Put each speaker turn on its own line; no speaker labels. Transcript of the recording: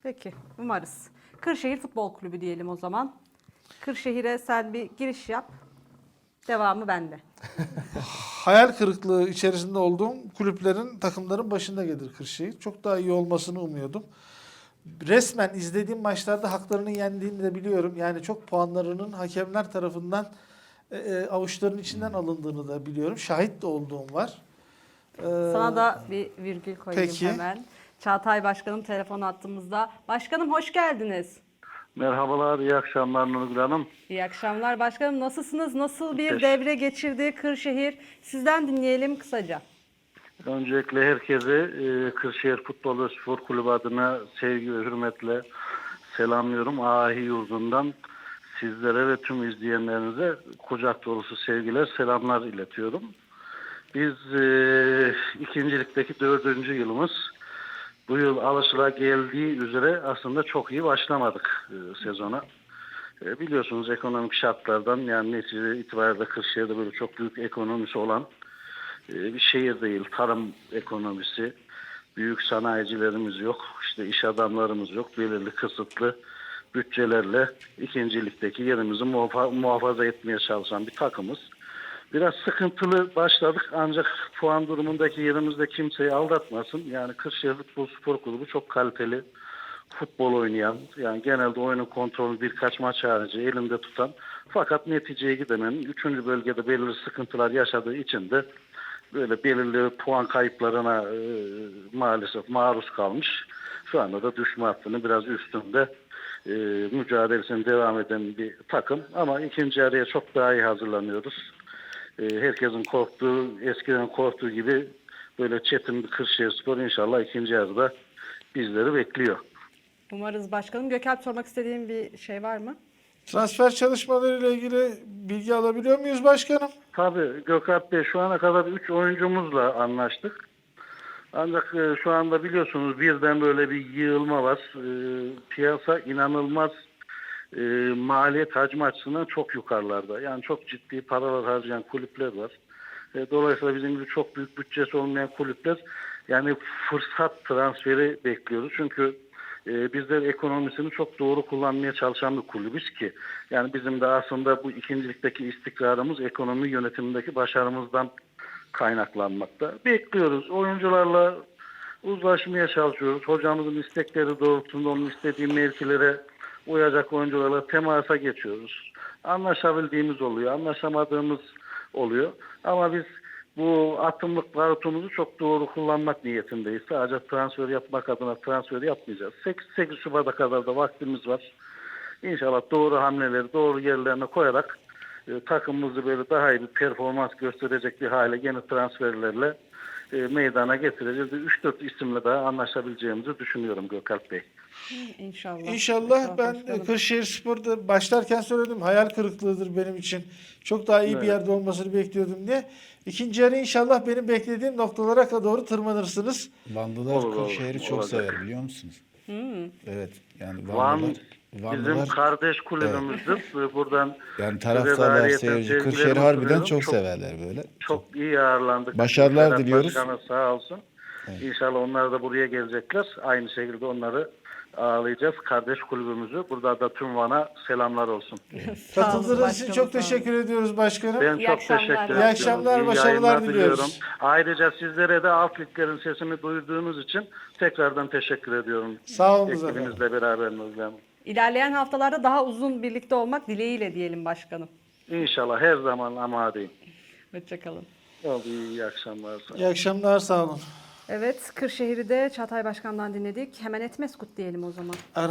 Peki, umarız. Kırşehir Futbol Kulübü diyelim o zaman. Kırşehir'e sen bir giriş yap. Devamı bende.
Hayal kırıklığı içerisinde olduğum kulüplerin, takımların başında gelir Kırşehir. Çok daha iyi olmasını umuyordum. Resmen izlediğim maçlarda haklarını yendiğini de biliyorum. Yani çok puanlarının hakemler tarafından avuçların içinden alındığını da biliyorum. Şahit de olduğum var.
Sana da bir virgül koyayım
Peki.
hemen. Çağatay Başkanım telefon attığımızda. Başkanım hoş geldiniz.
Merhabalar, iyi akşamlar Nurgül Hanım.
İyi akşamlar başkanım. Nasılsınız? Nasıl bir
Teşekkür-
devre geçirdi Kırşehir? Sizden dinleyelim kısaca.
Öncelikle herkese Kırşehir Futbol ve Spor Kulübü adına sevgi ve hürmetle selamlıyorum. Ahi yurdundan sizlere ve tüm izleyenlerinize kucak dolusu sevgiler, selamlar iletiyorum. Biz ikincilikteki 4. yılımız. Bu yıl alışılageldiği üzere aslında çok iyi başlamadık sezona. Biliyorsunuz ekonomik şartlardan, yani netice itibariyle Kırşehir'de böyle çok büyük ekonomisi olan bir şehir değil. Tarım ekonomisi, büyük sanayicilerimiz yok, işte iş adamlarımız yok. Belirli kısıtlı bütçelerle ikincilikteki yerimizi muhafaza etmeye çalışan bir takımız. Biraz sıkıntılı başladık ancak puan durumundaki yerimizde kimseyi aldatmasın. Yani Kırşehir Futbol Spor Kulübü çok kaliteli futbol oynayan, yani genelde oyunun kontrolü birkaç maç harici elinde tutan, fakat neticeye gidemeyen, 3. bölgede belirli sıkıntılar yaşadığı için de böyle belirli puan kayıplarına maalesef maruz kalmış. Şu anda da düşme hattının biraz üstünde mücadelesine devam eden bir takım. Ama ikinci araya çok daha iyi hazırlanıyoruz. Herkesin korktuğu, eskiden korktuğu gibi böyle çetin bir Kırşehirspor inşallah ikinci yarıda bizleri bekliyor.
Umarız başkanım. Gökalp sormak istediğim bir şey var mı?
Transfer çalışmalarıyla ilgili bilgi alabiliyor muyuz başkanım?
Tabii Gökalp Bey, şu ana kadar 3 oyuncumuzla anlaştık. Ancak şu anda biliyorsunuz birden böyle bir yığılma var. Piyasa inanılmaz maliyet hacmi açısından çok yukarılarda. Yani çok ciddi paralar harcayan kulüpler var. Dolayısıyla bizim gibi çok büyük bütçesi olmayan kulüpler, yani fırsat transferi bekliyoruz. Çünkü bizler ekonomisini çok doğru kullanmaya çalışan bir kulübüz ki. Yani bizim de aslında bu ikincilikteki istikrarımız ekonomi yönetimindeki başarımızdan kaynaklanmakta. Bekliyoruz. Oyuncularla uzlaşmaya çalışıyoruz. Hocamızın istekleri doğrultusunda onun istediği mevkilere uyacak oyuncularla temasa geçiyoruz. Anlaşabildiğimiz oluyor, anlaşamadığımız oluyor. Ama biz bu atımlık barutumuzu çok doğru kullanmak niyetindeyiz. Sadece transfer yapmak adına transfer yapmayacağız. 8 Şubat'a kadar da vaktimiz var. İnşallah doğru hamleleri doğru yerlerine koyarak takımımızı böyle daha iyi bir performans gösterecek bir hale yeni transferlerle meydana getireceğiz. 3-4 isimle daha anlaşabileceğimizi düşünüyorum Gökalp Bey.
İnşallah.
İnşallah. Ben
başkanım.
Kırşehir Spor'da başlarken söyledim, hayal kırıklığıdır benim için. Çok daha iyi bir
Evet.
yerde olmasını bekliyordum diye. İkinci yarı inşallah benim beklediğim noktalara doğru tırmanırsınız.
Vanlılar
Olur,
Kırşehir'i çok
olacak.
sever, biliyor musunuz? Evet, yani
Van
Vanlılar,
bizim kardeş kulübümüzdür. Buradan
yani
size de
taraftarlar,
ayrıyeten
seyirci
sevgilerimi
Kırşehir'i harbiden
sunuyorum.
çok severler böyle.
Çok iyi ağırlandık.
Başarılar
Ferhat
diliyoruz.
Başkan'a sağ olsun. İnşallah onlar da buraya gelecekler. Aynı şekilde onları ağırlayacağız. Kardeş kulübümüzü. Burada da tüm Van'a selamlar olsun.
Sağ olun
Katıldığınız için
başkanım,
çok
sağ olun.
teşekkür ediyoruz başkanım.
Ben
İyi
çok
akşamlar.
teşekkür
İyi
ediyorum.
akşamlar,
İyi
başarılar
yayınlar
diliyoruz.
diliyorum. Ayrıca sizlere de alt liglerin sesini duyduğunuz için tekrardan teşekkür ediyorum.
Sağ olun efendim.
Ekibinizle beraber Nurgül Hanım.
İlerleyen haftalarda daha uzun birlikte olmak dileğiyle diyelim başkanım.
İnşallah her zaman amadeyim.
Hoşçakalın.
Oldu, iyi akşamlar.
İyi akşamlar, sağ olun.
Evet, Kırşehir'i de Çağatay Başkan'dan dinledik. Hemen Etmeskut diyelim o zaman.